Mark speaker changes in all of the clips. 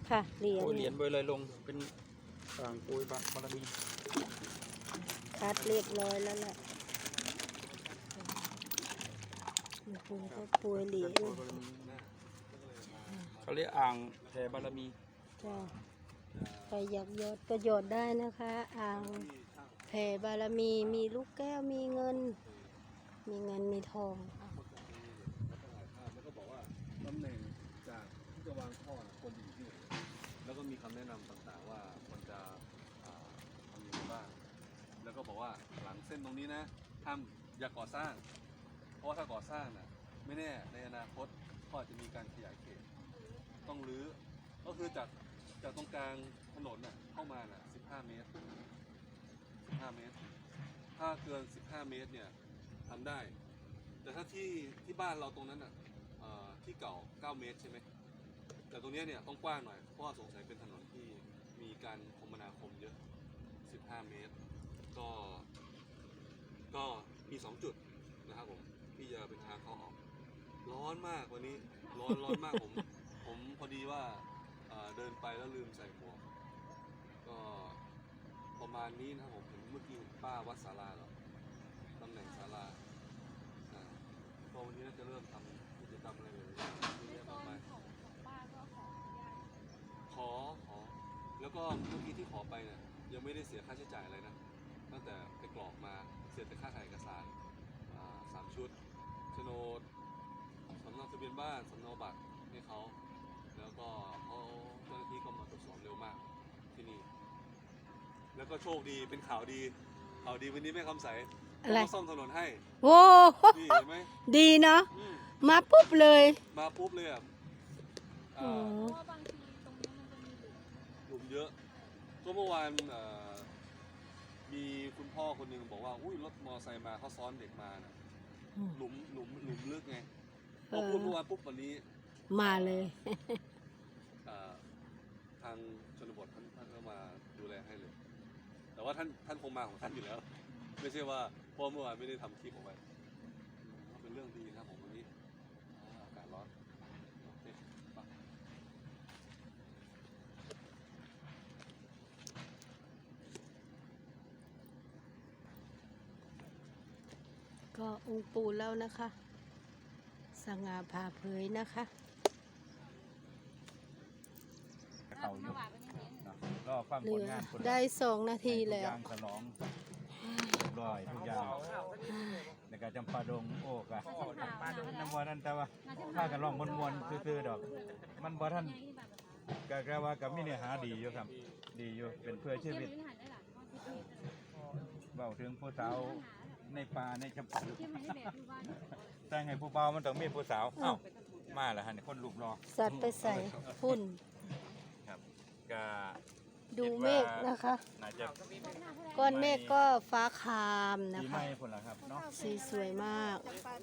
Speaker 1: ค่ะเหรียญ
Speaker 2: โปรยเหรียญเบอร์เลยลงเป็นต่างโปรยบารมี
Speaker 1: คัดเรียบร้อยแล้วล่ะคุณก็ป่วยเหรียญ
Speaker 2: เขาเรียกอ่างแผ่บารมี
Speaker 1: จ้าใครอยากหยอดก็หยอดได้นะคะอ่างแผ่บารมีมีลูกแก้วมีเงินมีทอง
Speaker 3: แล้วก็บอกว่าตำแหน่งจากที่จะวางท่อควรอยู่ที่ไหนแล้วก็มีคำแนะนำต่างๆว่าควรจะทำยังไงบ้างแล้วก็บอกว่าหลังเส้นตรงนี้นะห้ามอย่าก่อสร้าง เพราะว่าถ้าก่อสร้างน่ะไม่แน่ในอนาคตก็อาจจะมีการขยายเขตต้องรื้อก็คือจากตรงกลางถนนน่ะเข้ามาน่ะ15 เมตร15 เมตรถ้าเกิน15 เมตรเนี่ยทำได้แต่ถ้าที่บ้านเราตรงนั้นน่ะที่เก่า9 เมตรใช่ไหมแต่ตรงนี้เนี่ยต้องกว้างหน่อยเพราะว่าสงสัยเป็นถนนที่มีการคมนาคมเยอะ15 เมตรก็มี2 จุดนะครับผมที่จะเป็นทางเข้าออกร้อนมากวันนี้ร้อนมากผมพอดีว่าเดินไปแล้วลืมใส่หมวกก็ประมาณนี้นะครับผมเห็นเมื่อกี้ป้าวัดศาลาเหรอตำแหน่งศาลาก็วันนี้น่าจะเริ่มทำกิจกรรมอะไรเลยเยอะมากมายขอแล้วก็เมื่อกี้ที่ขอไปเนี่ยยังไม่ได้เสียค่าใช้จ่ายอะไรนะตั้งแต่ไปกรอกมาเสียแต่ค่าถ่ายเอกสาร3 ชุดโฉนดสำเนาทะเบียนบ้านสำเนาบัตรให้เขาแล้วก็เขาเจ้าหน้าที่ก็มาตรวจสอบเร็วมากที่นี่แล้วก็โชคดีเป็นข่าวดีวันนี้แม่คำใสเขาซ่อมถนนให้
Speaker 1: โว้
Speaker 3: นี่เห็นไหม
Speaker 1: ดีเนาะมาปุ๊บเลย
Speaker 3: อ่ะเพราะว่าบางทีตรงนี้มันจะมีหลุมเยอะก็เมื่อวานมีคุณพ่อคนหนึ่งบอกว่าอุ้ยรถมอไซค์มาเขาซ้อนเด็กมานะหลุมลึกไงพอพูดเมื่อวานปุ๊บวันนี้
Speaker 1: มาเลย
Speaker 3: ทางชนบทท่านก็มาดูแลให้เลยแต่ว่าท่านคงมาของท่านอยู่แล้วไม่ใช่ว่าเพราะเมื่อวานไม่ได้ทำคลิปออกไปเป็นเรื่องดีนะผมวันนี้อากาศร้อนโอเค
Speaker 1: ก็องค์ปู่แล้วนะคะสง่าผ่าเผยนะคะเหลือได้2 นาทีแล้ว
Speaker 4: ฉลองเรียบร้อยทุกอย่างในการจำปาดงโอ้กะน้ำวันนั้นแต่ว่าถ้ากันลองมวนๆซื่อๆดอกมันบ่ท่านกะว่ากับมีเนื้อหาดีอยู่ครับดีอยู่เป็นเพื่อชีวิตเบาถึงผู้สาวในป่าในจำปาแต่ไงผู้เบามันต้องมีผู้สาวเอ้ามาแล้วฮะเนี่ยคนรูปรอ
Speaker 1: สัตว์ไปใส่พุ่น
Speaker 4: ครับกะ
Speaker 1: ดูเมฆนะคะก้อนเมฆก็ฟ้าคามนะคะสีสวยมาก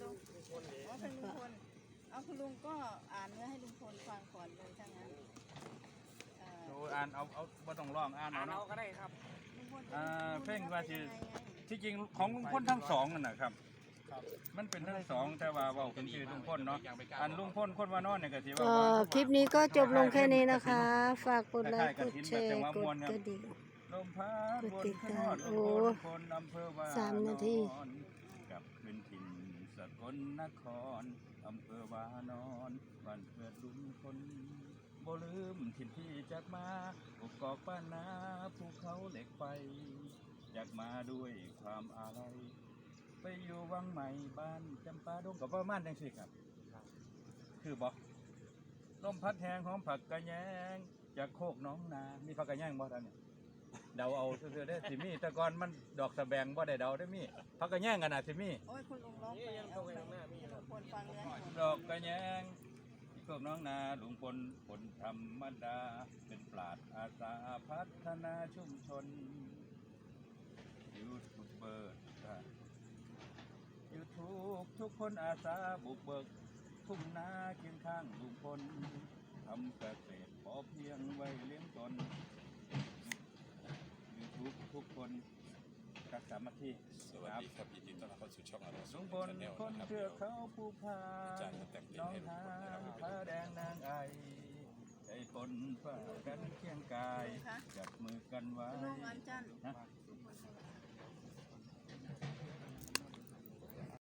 Speaker 5: เอาคุณลุงก็อ่านเนื้อให้ลุงพลฟังก่อนเลยถ้างั้น
Speaker 4: อ่านเอาบ่ต้องร้องอ่านเอาก็ได้ครับเพลงว่าที่จริงของลุงพลทั้งสองนั่นนะครับมันเป็นทั้งสองแต่ว่าเว้าเป็นชื่อลุงพลเนาะอันลุงพลคนว่านอนเนี่ยก็สิว่า
Speaker 1: คลิปนี้ก็จบลงแค่นี้นะคะฝากกดไลค์กดแชร์กดกระดิ่งกดติดตามโอ้3 นาที
Speaker 4: กับเป็นถิ่นสกลนครอำเภอวานอนบ้านเกิดลุงพลบ่ลืมถิ่นที่จากมาอุกอกบ้านนาภูเขาเหล็กไฟอยากมาด้วยความอาลัยไปอยู่วังใหม่บ้านจำปาดงกับประมาณจังซี่ครับคือบอกลมพัดแหงหอมผักกระแยงจากโคกน้องนามีผักกระแยงบ่ท่านเนี่ยเดาเอาเสื้อได้สิมีแต่ก่อนมันดอกสะแบงบ่ได้เดาได้มีผักกระแยงกันนะสิมี
Speaker 5: โอ้ยคุณลุงร้องไปเอาไปคนฟังเลย
Speaker 4: ดอกกระแยงโคกน้องนาลุงพลคนธรรมดาเป็นปราชญ์อาสาพัฒนาชุมชนยูทูบเบอร์ทุกคนอาสาบุกเบิกทุ่งนาเคียงข้างลุงพลทำเกษตรพอเพียงไว้เลี้ยงตนทุกคนรักษามาที่
Speaker 3: สวัสดีครับยินดีต้อนรับเข้าสู่ช่องอาร์ต
Speaker 4: ลุงพลคนเทือกเขาภูพานน้องหานผาแดงนางไอใจฝนคนฝ่ากันเคียงกาย จับมือกันไว้
Speaker 5: ลุงอันจันทร์
Speaker 4: นะ
Speaker 5: ลุงพลสวัสดิ์